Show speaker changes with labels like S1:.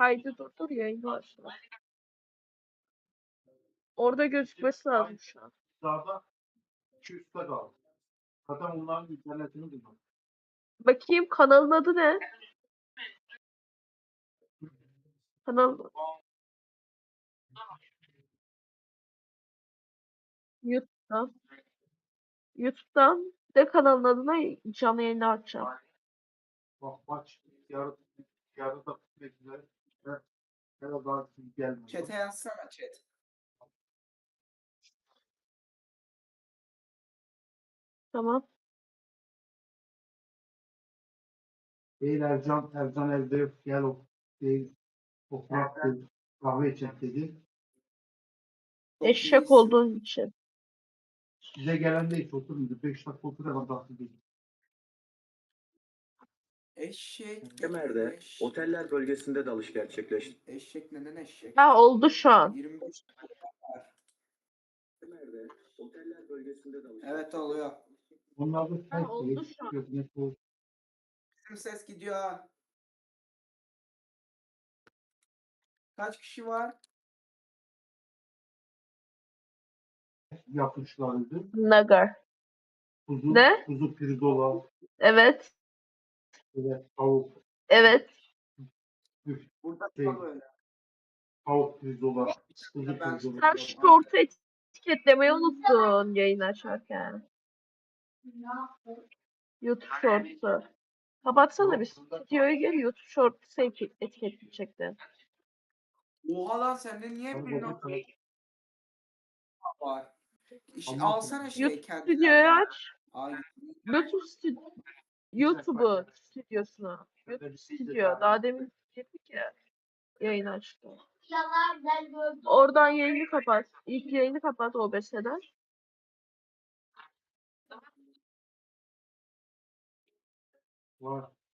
S1: Kaydı durdur yayını başla. Orada gözükmesi lazım şu an.
S2: Sağda 200'te kaldı. Zaten onların internetini buldum.
S1: Bakayım kanalın adı ne? Kanal YouTube'dan. YouTube'dan de kanalın adına canlı yayını açacağım.
S2: Bak maç yarı da bitmek üzere. Ne daha gelmedi.
S3: Chat'e yazsana chat.
S1: Tamam.
S2: Değil Ercan evde yok. Gel o değil. O Fırat dedi. Kahve içecek dedi.
S3: Çok
S1: Eşek
S3: iyisin.
S1: olduğun için.
S2: Size gelen de hiç oturmuyordu. 5 dakika oturuyor. Dahil değil.
S3: Eşek.
S4: Kemer'de
S3: eşek.
S4: oteller bölgesinde dalış gerçekleşti.
S3: Eşek neden eşek?
S1: Ha oldu şu an.
S3: 25 dakika var.
S4: Kemer'de oteller bölgesinde dalış
S3: Evet oluyor.
S2: Onlar da
S1: Ha, oldu şu an.
S2: yok. Ne bu?
S3: Bizim ses gidiyor ha. Kaç kişi var?
S2: Yapmışlardı.
S1: Nagar. Ne?
S2: Kuzu pirzola,
S1: Evet.
S2: böyle tavuk,
S1: Evet.
S3: Burada
S2: Şey,
S3: da böyle.
S2: tavuk pirzola, kuzu
S3: Ben-
S2: pirzola.
S1: Sen short'u etiketlemeyi unuttun yayın açarken. YouTube shorts'u. Kapatsana bir stüdyoya gel YouTube shorts'u etiketleyecektin.
S3: Oha lan sende niye
S2: Tabii,
S3: bir
S2: tabii,
S3: nokta
S2: tabii.
S3: var?
S2: Ama-
S3: Alsana şey
S1: YouTube
S3: kendilerden.
S1: stüdyoyu aç.
S3: Ay,
S1: YouTube'u stüdyosuna. YouTube stüdyo. Daha demin girdik ya. Yayın açtı. Oradan yayını kapat. İlk yayını kapat OBS'den.
S2: Var.